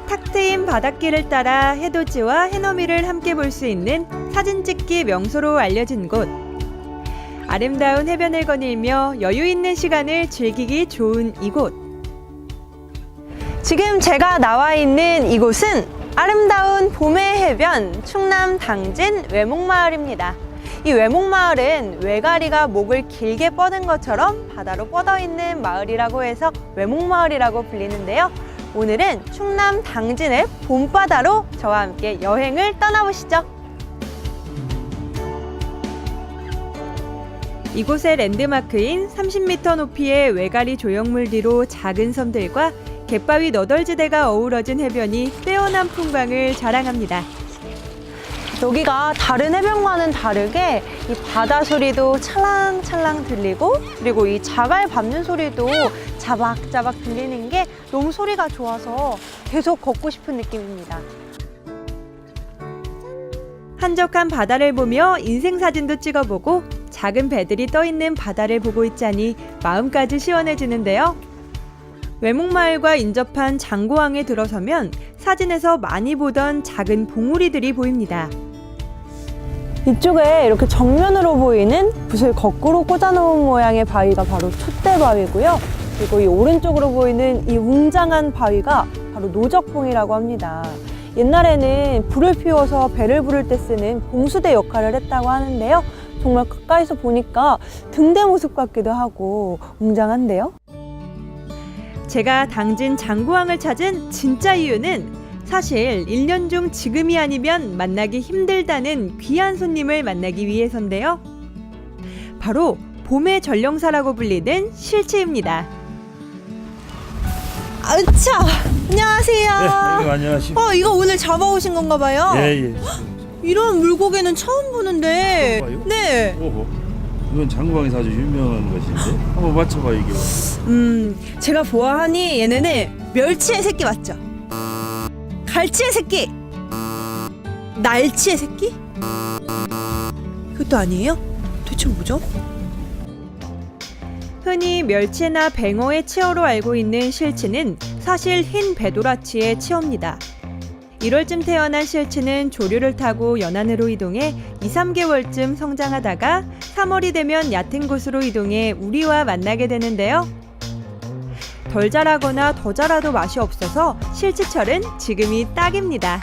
탁 트인 바닷길을 따라 해돋이와 해넘이를 함께 볼 수 있는 사진 찍기 명소로 알려진 곳. 아름다운 해변을 거닐며 여유 있는 시간을 즐기기 좋은 이곳. 지금 제가 나와 있는 이곳은 아름다운 봄의 해변 충남 당진 외목마을입니다. 이 외목마을은 외가리가 목을 길게 뻗은 것처럼 바다로 뻗어 있는 마을이라고 해서 외목마을이라고 불리는데요. 오늘은 충남 당진의 봄바다로 저와 함께 여행을 떠나보시죠. 이곳의 랜드마크인 30m 높이의 외가리 조형물 뒤로 작은 섬들과 갯바위 너덜지대가 어우러진 해변이 빼어난 풍광을 자랑합니다. 여기가 다른 해변과는 다르게 이 바다 소리도 찰랑찰랑 들리고, 그리고 이 자갈 밟는 소리도 자박자박 들리는 게 너무 소리가 좋아서 계속 걷고 싶은 느낌입니다. 한적한 바다를 보며 인생사진도 찍어보고 작은 배들이 떠있는 바다를 보고 있자니 마음까지 시원해지는데요. 외목마을과 인접한 장고항에 들어서면 사진에서 많이 보던 작은 봉우리들이 보입니다. 이쪽에 이렇게 정면으로 보이는 붓을 거꾸로 꽂아놓은 모양의 바위가 바로 촛대바위고요. 그리고 이 오른쪽으로 보이는 이 웅장한 바위가 바로 노적봉이라고 합니다. 옛날에는 불을 피워서 배를 부를 때 쓰는 봉수대 역할을 했다고 하는데요. 정말 가까이서 보니까 등대 모습 같기도 하고 웅장한데요. 제가 당진 장고항을 찾은 진짜 이유는 사실 1년 중 지금이 아니면 만나기 힘들다는 귀한 손님을 만나기 위해서인데요. 바로 봄의 전령사라고 불리는 실치입니다. 아차! 안녕하세요. 네, 안녕하십니까. 이거 오늘 잡아오신 건가 봐요? 예. 이런 물고기는 처음 보는데. 봐요? 네. 오호. 이건 장고항에서 아주 유명한 것인데 한번 맞춰봐 이게. 제가 보아하니 얘네는 멸치의 새끼 맞죠? 갈치의 새끼? 날치의 새끼? 그것도 아니에요? 도대체 뭐죠? 흔히 멸치나 뱅어의 치어로 알고 있는 실치는 사실 흰 배도라치의 치어입니다. 1월쯤 태어난 실치는 조류를 타고 연안으로 이동해 2~3개월쯤 성장하다가 3월이 되면 얕은 곳으로 이동해 우리와 만나게 되는데요. 덜 자라거나 더 자라도 맛이 없어서 실치철은 지금이 딱입니다.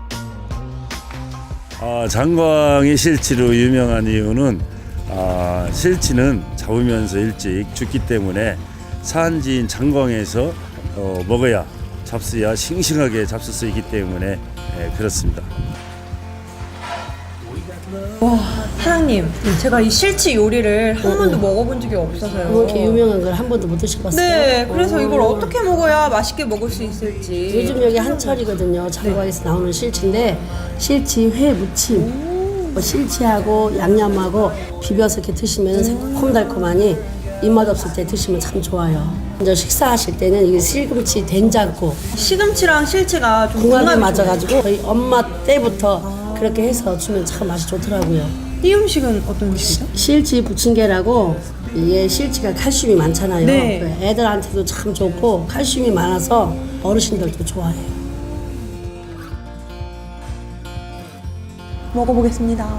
장고항이 실치로 유명한 이유는 실치는 잡으면서 일찍 죽기 때문에 산지인 장고항에서 먹어야 잡수야 싱싱하게 잡수 수 있기 때문에 그렇습니다. 와, 사장님, 제가 이 실치 요리를 한 번도 먹어본 적이 없어서요. 이렇게 유명한 걸 한 번도 못 드셔봤어요? 네, 그래서 이걸 어떻게 먹어야 맛있게 먹을 수 있을지. 요즘 여기 한철이거든요. 장고항에서 나오는 실치인데 실치 회 무침, 실치하고 양념하고 비벼서 이렇게 드시면 새콤달콤하니 입맛 없을 때 드시면 참 좋아요. 먼저 식사하실 때는 이게 시금치 된장국, 시금치랑 실치가 좀 궁합이 궁합이 맞아가지고 저희 엄마 때부터 그렇게 해서 주면 참 맛이 좋더라고요. 이 음식은 어떤 음식이죠? 실치 부침개라고, 이게 실치가 칼슘이 많잖아요. 네. 애들한테도 참 좋고 칼슘이 많아서 어르신들도 좋아해요. 먹어보겠습니다.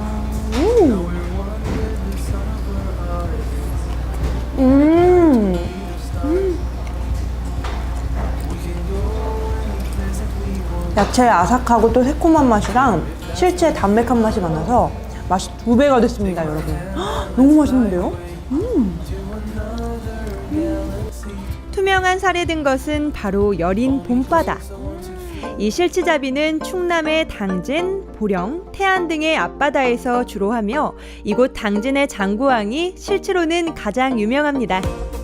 야채의 아삭하고 또 새콤한 맛이랑 실치의 담백한 맛이 만나서 맛이 2배가 됐습니다, 여러분. 너무 맛있는데요? 투명한 살이 든 것은 바로 여린 봄바다. 이 실치잡이는 충남의 당진, 보령, 태안 등의 앞바다에서 주로 하며 이곳 당진의 장고항이 실치로는 가장 유명합니다.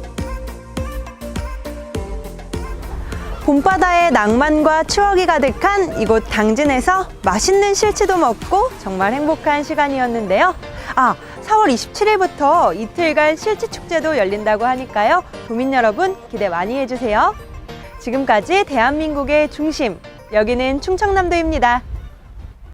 봄바다의 낭만과 추억이 가득한 이곳 당진에서 맛있는 실치도 먹고 정말 행복한 시간이었는데요. 4월 27일부터 이틀간 실치축제도 열린다고 하니까요. 도민 여러분 기대 많이 해주세요. 지금까지 대한민국의 중심, 여기는 충청남도입니다.